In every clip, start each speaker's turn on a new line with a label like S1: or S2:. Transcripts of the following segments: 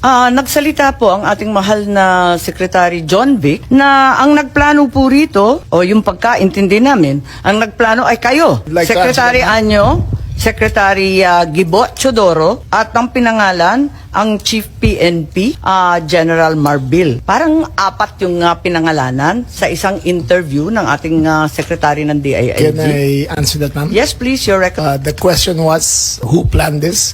S1: Nagsalita po ang ating mahal na Secretary John Vic na ang nagplano po rito, o yung pagkaintindi namin, ang nagplano ay kayo,
S2: Like
S1: Secretary Anyo, Secretary Gibo Chodoro, at ang pinangalan, ang Chief PNP, General Marbil. Parang apat yung pinangalanan sa isang interview ng ating Secretary ng DILG.
S2: Can I answer that, ma'am?
S1: Yes, please, your record.
S2: The question was, who planned this?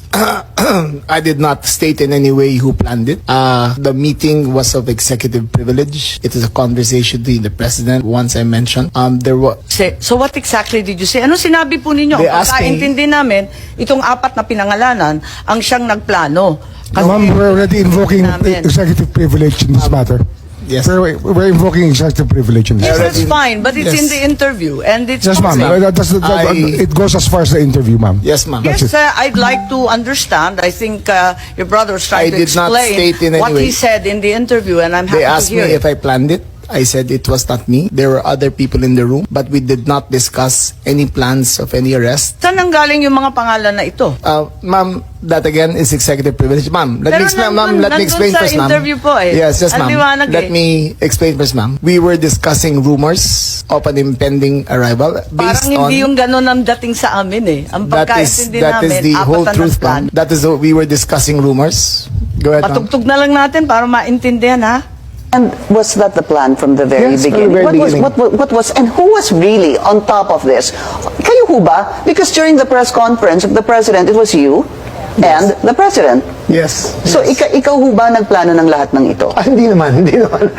S2: I did not state in any way who planned it. The meeting was of executive privilege. It was a conversation between the president, once I mentioned. There was...
S1: So what exactly did you say? Ano sinabi po ninyo?
S2: They
S1: Ang
S2: asked me-
S1: pagkaintindi namin, itong apat na pinangalanan, ang siyang nagplano.
S3: Ma'am, we're already invoking
S1: namin.
S3: executive privilege in this matter.
S2: Yes.
S3: We're invoking executive privilege in this
S1: Yes,
S3: matter.
S1: that's fine, but it's
S2: Yes.
S1: in the interview, and it's
S3: Yes, ma'am.
S1: public.
S3: It goes as far as the interview, ma'am.
S2: Yes, ma'am.
S1: Yes, I'd like to understand. I think your brother was trying
S2: I
S1: to
S2: did not
S1: explain
S2: state in any
S1: what he
S2: way.
S1: said in the interview, and I'm happy
S2: They
S1: to
S2: asked me
S1: hear
S2: if I planned it. I said it was not me. There were other people in the room, but we did not discuss any plans of any arrest.
S1: Saan nanggaling yung mga pangalan na ito?
S2: Ma'am, that again is executive privilege. Ma'am, let
S1: Pero
S2: me explain, ma'am.
S1: nandun-
S2: Let me
S1: nandun
S2: explain
S1: sa
S2: first, ma'am.
S1: interview po eh.
S2: Yes, yes,
S1: Ang
S2: ma'am.
S1: liwanag
S2: Let
S1: eh.
S2: me explain first, ma'am. We were discussing rumors of an impending arrival
S1: Parang hindi yung ganun ang dating sa amin eh. Ang pagkaintindi
S2: that is
S1: namin,
S2: the whole
S1: apat na
S2: truth,
S1: nagplano.
S2: ma'am. That is what we were discussing rumors. Go ahead, ma'am.
S1: Patugtog na lang natin para maintindihan ha.
S4: And was that the plan from the very
S2: Yes, from the
S4: beginning?
S2: very
S4: What was, and who was really on top of this? Kayo ho ba? Because during the press conference of the president, it was you and the president.
S2: Yes.
S4: So ikaw ho ba nagplano ng lahat ng ito?
S2: Hindi naman, hindi naman.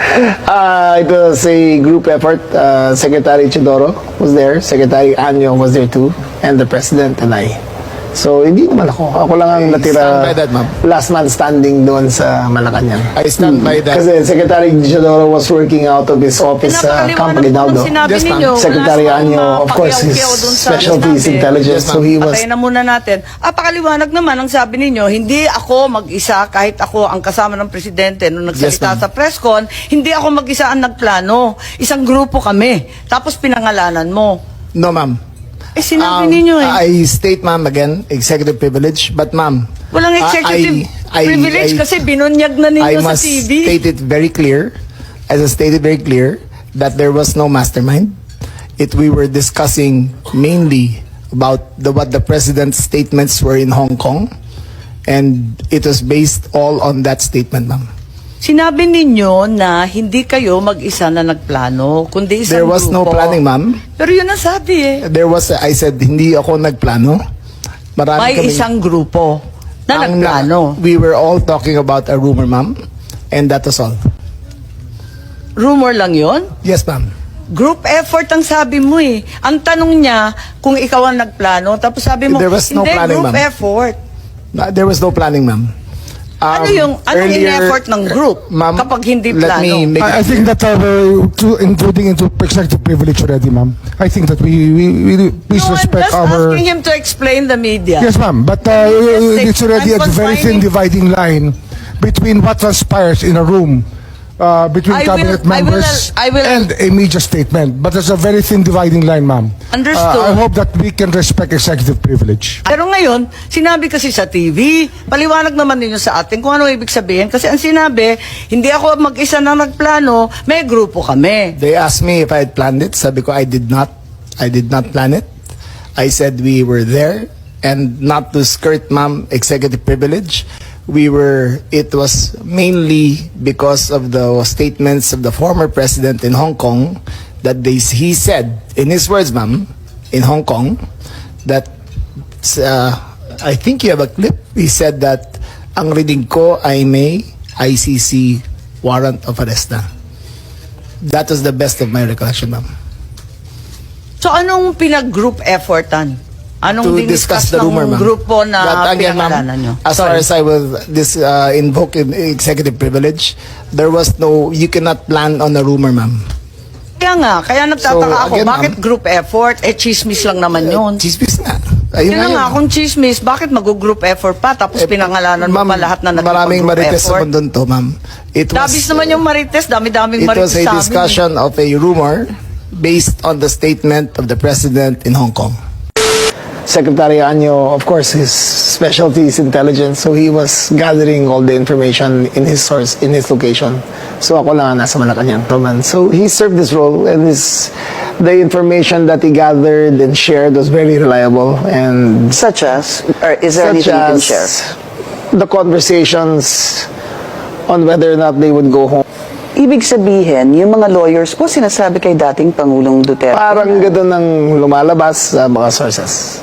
S2: It was a group effort. Secretary Chodoro was there, Secretary Anyo was there too, and the President and I. So, hindi naman ako. Ako lang ang natira.
S5: stand by that, ma'am.
S2: Last man standing doon sa Malacanang.
S5: I stand by that.
S2: Kasi Secretary Chodoro was working out of his office sa Camp
S1: Pinapakaliwanag po
S2: Aguinaldo.
S1: ng sinabi
S5: Yes, ma'am.
S1: ninyo.
S2: Secretary
S1: Wala
S2: Anyo,
S1: namang
S2: of course, his
S1: pakiyaw-kiyaw dun sa
S2: specialty is
S1: sinabi.
S2: intelligence.
S5: Yes, ma'am.
S2: So, he was...
S1: Patayin na muna natin. Pakaliwanag naman ang sabi ninyo, hindi ako mag-isa kahit ako ang kasama ng presidente nung nagsalita
S5: Yes, ma'am.
S1: sa presscon, hindi ako mag-isa ang nagplano. Isang grupo kami. Tapos pinangalanan mo.
S2: No, ma'am.
S1: Sinabi ninyo eh.
S2: I state, ma'am, again, executive privilege. But, ma'am...
S1: Walang executive privilege kasi binunyag na ninyo
S2: I
S1: sa
S2: must
S1: TV.
S2: state it very clear, as I stated very clear, that there was no mastermind. We were discussing mainly about what the president's statements were in Hong Kong, and it was based all on that statement, ma'am.
S1: Sinabi ninyo na hindi kayo mag-isa na nagplano, kundi isang
S2: There was no
S1: grupo.
S2: planning, ma'am.
S1: Pero yun ang sabi eh.
S2: I said, hindi ako nagplano. Marami
S1: May
S2: kaming-
S1: isang grupo na
S2: ang-
S1: nagplano.
S2: We were all talking about a rumor, ma'am, and that was all.
S1: Rumor lang yon.
S2: Yes, ma'am.
S1: Group effort ang sabi mo eh. Ang tanong niya kung ikaw ang nagplano, tapos sabi mo,
S2: There was no
S1: hindi,
S2: planning,
S1: group
S2: ma'am.
S1: effort.
S2: There was no planning, ma'am.
S1: Anong
S2: Earlier-
S1: in-effort ng group
S2: Ma'am,
S1: kapag hindi
S2: let
S1: plano?
S2: me make
S3: I think that including into executive privilege already, ma'am. I think that we please
S1: No, I'm
S3: respect
S1: just
S3: our...
S1: asking him to explain the media.
S3: Yes, ma'am. But
S1: Yes,
S3: it's already
S1: I'm
S3: a very thin
S1: confining-
S3: dividing line between what transpires in a room between
S1: I
S3: cabinet
S1: will-
S3: members
S1: I will-
S3: and a media statement. But there's a very thin dividing line, ma'am.
S1: Understood.
S3: I hope that we can respect executive privilege.
S1: Pero ngayon, sinabi kasi sa TV, paliwanag naman ninyo sa atin kung ano ibig sabihin. Kasi ang sinabi, hindi ako mag-isa na nagplano, may grupo kami.
S2: They asked me if I had planned it. Sabi ko, I did not. I did not plan it. I said we were there, and not to skirt, ma'am, executive privilege. It was mainly because of the statements of the former president in Hong Kong that he said, in his words, ma'am, in Hong Kong, that, I think you have a clip, he said that, ang reading ko ay may ICC warrant of arrest na. That was the best of my recollection, ma'am.
S1: So anong pinag-group effortan? Anong
S2: To discuss
S1: diniscuss
S2: the rumor,
S1: ng
S2: ma'am.
S1: grupo na
S2: But again, ma'am,
S1: pinangalanan nyo?
S2: as far as I will invoke in executive privilege, there was no, you cannot plan on a rumor, ma'am.
S1: Kaya nagtataka
S2: So,
S1: ako,
S2: again,
S1: bakit
S2: ma'am,
S1: group effort? Chismis lang naman yun.
S2: Chismis na.
S1: Yun
S2: Ayun
S1: na
S2: yun.
S1: nga, kung chismis, bakit mag-group effort pa? Tapos pinangalanan mo
S2: Ma'am,
S1: pa lahat na
S2: maraming
S1: nag-group
S2: marites sa
S1: effort.
S2: mundo to, ma'am.
S1: Dabis naman yung marites, dami-daming
S2: It
S1: marites
S2: was a
S1: sa amin.
S2: discussion of a rumor based on the statement of the president in Hong Kong. Secretary Anyo, of course, his specialty is intelligence, so he was gathering all the information in his source, in his location. So ako lang ang nasa Malacanang. So he served this role, and the information that he gathered and shared was very reliable, and
S4: Such as, or is there
S2: such
S4: anything you can
S2: as
S4: share?
S2: the conversations on whether or not they would go home.
S4: Ibig sabihin, yung mga lawyers po sinasabi kay dating Pangulong Duterte.
S2: Parang gano'n ang lumalabas sa mga sources.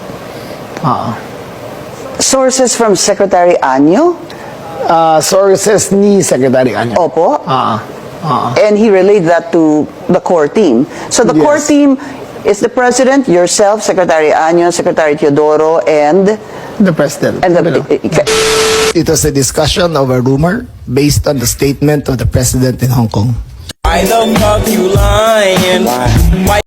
S4: Sources from Secretary Anyo?
S2: Sources ni Secretary Anyo.
S4: Opo. And he relayed that to the core team. So the core
S2: Yes.
S4: team is the President, yourself, Secretary Anyo, Secretary Teodoro, and
S2: The President.
S4: the...
S2: It was a discussion of a rumor based on the statement of the President in Hong Kong.
S5: Why the fuck you lying? Why?